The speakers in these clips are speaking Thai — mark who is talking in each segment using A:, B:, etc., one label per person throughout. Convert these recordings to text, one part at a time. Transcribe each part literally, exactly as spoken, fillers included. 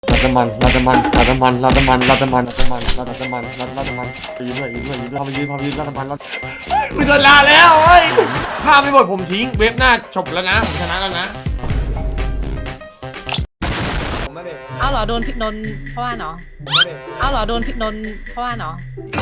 A: ราดน้ำมันราดน้ำมันราดน้ำมันราดน้ำมันราดน้ำมันราดน้ำมันราดน้ำมันราดราดน้ำมันไปยืนด้วยยืนด้วยยืนด้วยพาไปยืนพาไปยืนราดน้ำมันราดคุณโดนลาแล้วเฮ้ยถ้าไม่หมดผมทิ้งเว็บหน้าจบแล้วนะผมชนะแล้วนะ
B: เอาเหรอโดนพิษโดนเพราะว่าเนาะเอาเหรอโดนพิษโดนเพราะว่าเนาะ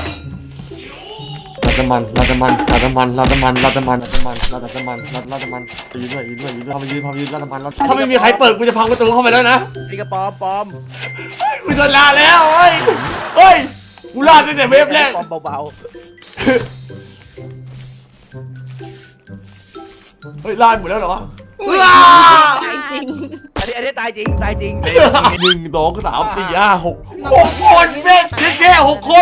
A: ราดน้ำมันราดน้ำมันราดน้ำมันราดน้ำมันราดน้ำมันราดน้ำมันราดน้ำมันราดราดน้ำมันไปยืนด้วยยืนด้วยยืนด้วยพาไปยืนพาไปยืนราดน้ำมันถ้าไม่มีใครเปิดกูจะพังประตูเข้าไปแล้วนะ
C: นี่ก็ปลอมปลอม
A: กูโดนลาแล้วเฮ้ยเฮ้ยกูลาตั้งแต่เว็บแรก
C: ปลอมเบา
A: เฮ้ยลาหมดแล้วเหรอวะลา
B: ตายจริง
C: ๆอันนี้อันนี้ตายจริงตายจริง
A: หนึ่งสองสามสี่ห้าหกหกคนเว้ยแค่หกคน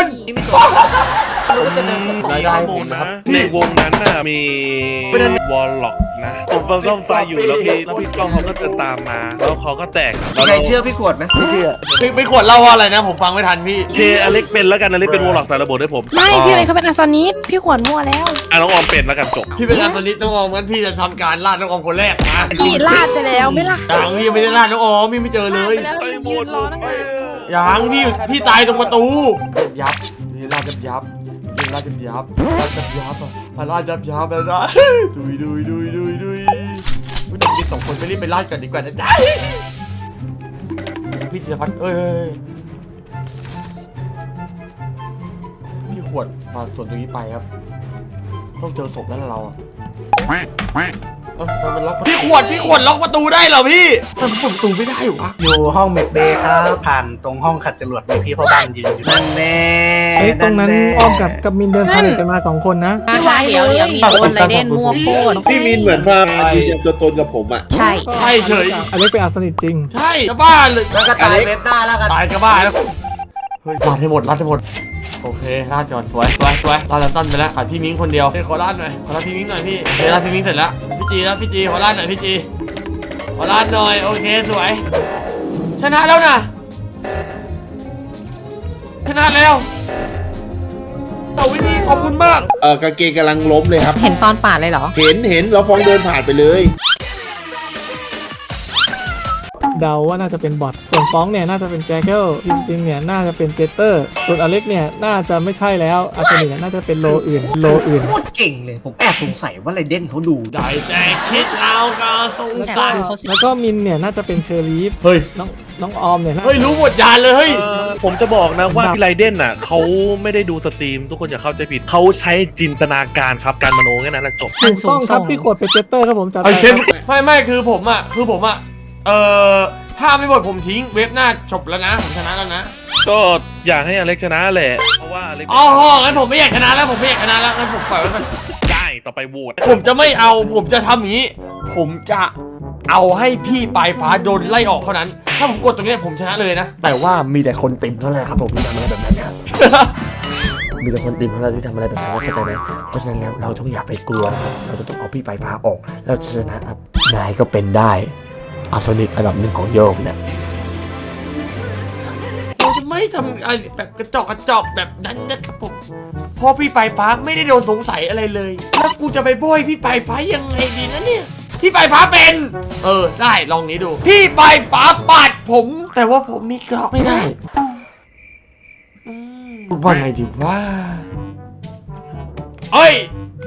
D: รายได้ผมนะในวงนั้นน่ะมีวอลล็อกนะผมฟังซ่อมไฟอยู่แล้วพี่แล้วพี่ก้องเขาก็จะตามมาแล้วเขาก็แตก
E: ใครเชื่อพี่ขวดไหมไม่เชื่อ
A: ไม่ไม่ควรเล่าว่าอะไรนะผมฟังไม่ทันพี่
D: เคอเล็กเป็นแล้วกันอเล็กเป็นวอลล็อกแต่ระบบให้ผม
F: ไม่พี่อะไรเขาเป็นอาซานิสพี่ขวดมั่วแล้ว
D: อ่ะน้องออมเป็นแล้วกันจบ
A: พี่เป็นอันตอนนี้ต้องออมงั้นพี่จะทำการลาดน้องออมคนแรกนะ
F: พี่ลาดไปแล้วไม่ล่ะ
A: ยังพี่ยังไม่ได้ลาดน้องออมพี่ไม่เจอเลย
F: ไปแล้วมันยืนรอตั้งนาน
A: ยังพี่พี่ตายตรงประตูยับนี่ลาดยับยับยิงลาดยับยับลาดยับยับอ่ะลาดยับยับแล้วนะดุยดุยดุยดุยดุยพี่ต้องกินสองคนไปรีบไปลาดกันดีกว่านะจ๊ะพี่ธีรพัฒน์เอ้ยพี่ขวดมาส่วนตรงนี้ไปครับต้องเจอศพแล้วเราอ่ะเออมันล็อกพี่ขวดพี่ขวดล็อกประตูได้เหรอพี่ทำไมเปิดประตูไม่ได้หรอ
E: อยู่ห้องเมดเบย์ครับผ่านตรงห้องขัดจรวดมีพี่พ่อบ้านยืนอยู่นั่นแน่
G: เอ้ยตรงนั้นอ้อมกับกับมินเดินพาเลทกันมาสองคนนะ
B: พี่วายเดี๋ยวเดี๋ยวมีโดนไรเด่นมั่วโคตร
H: พี่มินเหมือนมายืนยันตัวตนกับผมอ่ะ
B: ใช่
A: ใช่เฉย
G: อเล็กเป็นอาสนิทจริง
A: ใช่จะบ้าเลย
E: แล้วก็ตายเว็บหน้าแล้วกัน
A: ตายจะบ้าแล้วเฮ้ยลาดให้หมดลาดให้หมดโอเคลาดจอดสวยสวยสวยลาดลันตันไปแล้วขาดพี่มิ้งคนเดียวเฮ้ยขอลาดหน่อยขอลาดพี่มิ้งหน่อยพี่เฮ้ยลาดพี่มิ้งเสร็จแล้วพี่จีแล้วพี่จีขอลาดหน่อยพี่จีขอลาดหน่อยโอเคสวยชนะแล้วนะชนะแล้วต่อวิธีขอบคุณมาก
H: เออกางเกงกำลังล้มเลยครับ
B: เห็นตอนปาดเลยเหรอ
H: เห็นเห็นแล้วฟองเดินผ่านไปเลย
G: เดาว่าน่าจะเป็นบอทส่วนฟ้องเนี่ยน่าจะเป็นแจ็คเกิลพิสตินเนี่ยน่าจะเป็นเจเตอร์ส่วนอเล็กเนี่ยน่าจะไม่ใช่แล้วอาสนิทเนี่ยน่าจะเป็นโลอื่นโลอื่น
E: โคตรเก่งเลยผมแอบสงสัยว่าไรเด่นเขาดู
A: ได้แต่คิดเอาก็สงสัย
G: แล้วก็มินเนี่ยน่าจะเป็นเชอรีฟ
A: เฮ้ย
G: น้องน้องออมเนี่ยน่า
A: เฮ้ยรู้หมดยานเลยเฮ้ย
D: เอ่อผมจะบอกนะว่าพี่ไรเดนน่ะเขาไม่ได้ดูสตรีมทุกคนอย่าเข้าใจผิดเขาใช้จินตนาการครับการมโนแค่นั้นแหละจบ
G: ถูกต้องครับพี่ขวดเป็นเจเตอร์ครับผมจัด
A: ไอ้
G: ไป
A: เทมไม่ไม่คือผมอ่ะคือผมอ่ะเอ่อถ้าไม่หมดผมทิ้งเว็บหน้าจบแล้วนะผมชนะแล้วนะ
D: ก็อยากให้อเล็กชนะแหละเพราะว่าอเล็ก
A: อ๋องั้นผมไม่อยากชนะแล้วผมไม่อยากชนะแล้วงั้นผมปล่อยไว้ก่อน
D: ได้ต่อไปโหวต
A: ผมจะไม่เอาผมจะทำอย่างนี้ ผมจะเอาให้พี่ปลายฟ้าโดนไล่ออกเท่านั้น ถ้าผมกดตรงนี้ผมชนะเลยนะ แต่ว่ามีแต่คนติ่มเท่านั้นครับผมที่ทำอะไรแบบนั้นครับ มีแต่คนติ่มเท่านั้นที่ทำอะไรแบบนั้นเข้าใจไหมเพราะฉะนั้นแล้วเราต้องอย่าไปกลัวนะครับเราจะต้องเอาพี่ปลายฟ้าออกแล้วชนะครับนายก็เป็นได้อาสนิทอันดับหนึ่งของโยกนะเราจะไม่ทำอะไรแบบกระจอกกระจอกแบบนั้นนะครับผมเพราะพี่ปลายฟ้าไม่ได้โดนสงสัยอะไรเลยแล้วกูจะไปโบยพี่ปลายฟ้ายังไงดีนะเนี่ยพี่ปลายฟ้าเป็นเออได้ลองนี้ดูพี่ปลายฟ้าปาดผมแต่ว่าผมมีเกราะไม่ได้อืมว่าไงดีว่าเอ้ย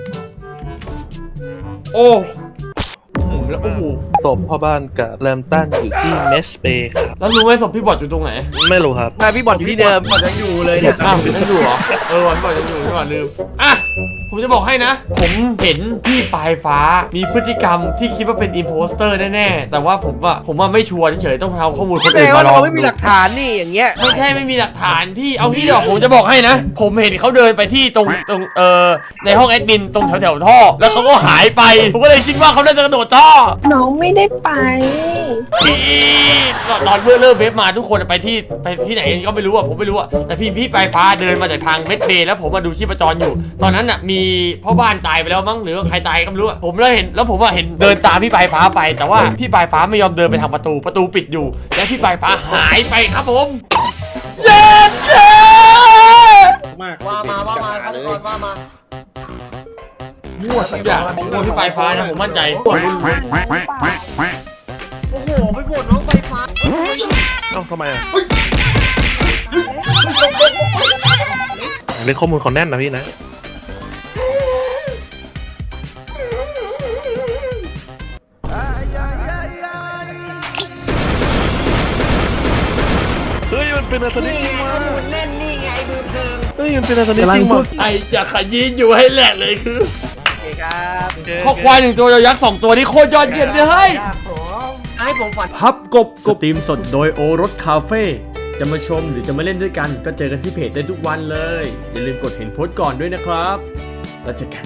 A: โอ้โหแล้วโอ้โห
D: ศพพ่อบ้านกับแรมตันอยู่ที่เมสเบย์ครับ
A: แล้วรู้ไหมศพพี่บอดอยู่ตรงไหน
D: ไม่รู้ครับ
C: มาพี่บอลอยู่ที่เดิมบอลยังอยู่เลยเนี่ย
A: อ้าวยังอยู่เหรอเออพี่บอดยังอยู่พี่บอดลืมอ่ะผมจะบอกให้นะ ผมเห็นพี่ปลายฟ้ามีพฤติกรรมที่คิดว่าเป็นอิมโพสเตอร์แน่ๆแต่ว่าผมว่าผมว่าไม่ชัวร์เฉยๆต้องเอาข้อมูลคน
C: แสด
A: อื่น
C: ง
A: มา
C: ว่า
A: ลอ
C: เรา
A: ง
C: ไม่มี
A: ดู
C: หลักฐานนี่อย่างเงี้ย
A: ไม่ใช่ไม่มีหลักฐานพี่เอางี้เดี๋ยวผมจะบอกให้นะ ผมเห็นเขาเดินไปที่ตรงตรงเอ่อในห้องแอดมินตรงแถวๆท่อแล้วเขาก็หายไปผมก็เลยคิดว่าเขาน่าจะกระโดดท่อ
F: น้องไม่ได้ไป
A: พี่ตอนเมื่อเริ่มเว็บมาทุกคนไปที่ไปที่ไหนก็ไม่รู้อ่ะผมไม่รู้อ่ะแต่พี่พี่ปลายฟ้าเดินมาจากทางเม็ดเบย์แล้วผมมาดูชีพจรอยู่ ตอนนั้นอ่ะมีพ่อบ้านตายไปแล้วมั้งหรือใครตายก็ไม่รู้อ่ะผมแล้วเห็นแล้วผมอ่ะเห็นเดินตามพี่ปลายฟ้าไป แต่ว่าพี่ปลายฟ้าไม่ยอมเดินไปทางประตูประตูปิดอยู่ และพี่ปลายฟ้าหายไปครับผมเย็นเย้
H: มาก
E: ว่ามาว่ามาฆาตกรว่ามา
A: มั่วสักอย่างผมโหวตพี่ปลายฟ้านะผมมั่นใจ
E: โอ้โหไปโหวตน้องไฟฟ้า
D: เอ้าทำไมอ่ะเรื่องข้อมูลเขาแน่นนะพี่นะเฮ้ยมันเป็นอาสนิทจริงวะ
C: แน่นนี่ไงดูเทิง
D: เฮ้ยมันเป็นอาสนิท
G: กำลั
D: จ
G: ง
D: ริง
G: พู
D: วะ
G: ด
A: ไอจะขยี้อยู่ให้แหลกเลยคือ
C: โอเคครับ
A: ข้อควายหนึ่งตัวยอยักษ์สองตัวนี่โคตรยอดเยี่ยมเลยเฮ้ย
C: ให้ผมฝัน
A: พับกบสตรีมสดโดยโอรสคาเฟ่จะมาชมหรือจะมาเล่นด้วยกันก็เจอกันที่เพจได้ทุกวันเลย อย่าลืมกดเห็นโพสต์ก่อนด้วยนะครับแล้วเจอกัน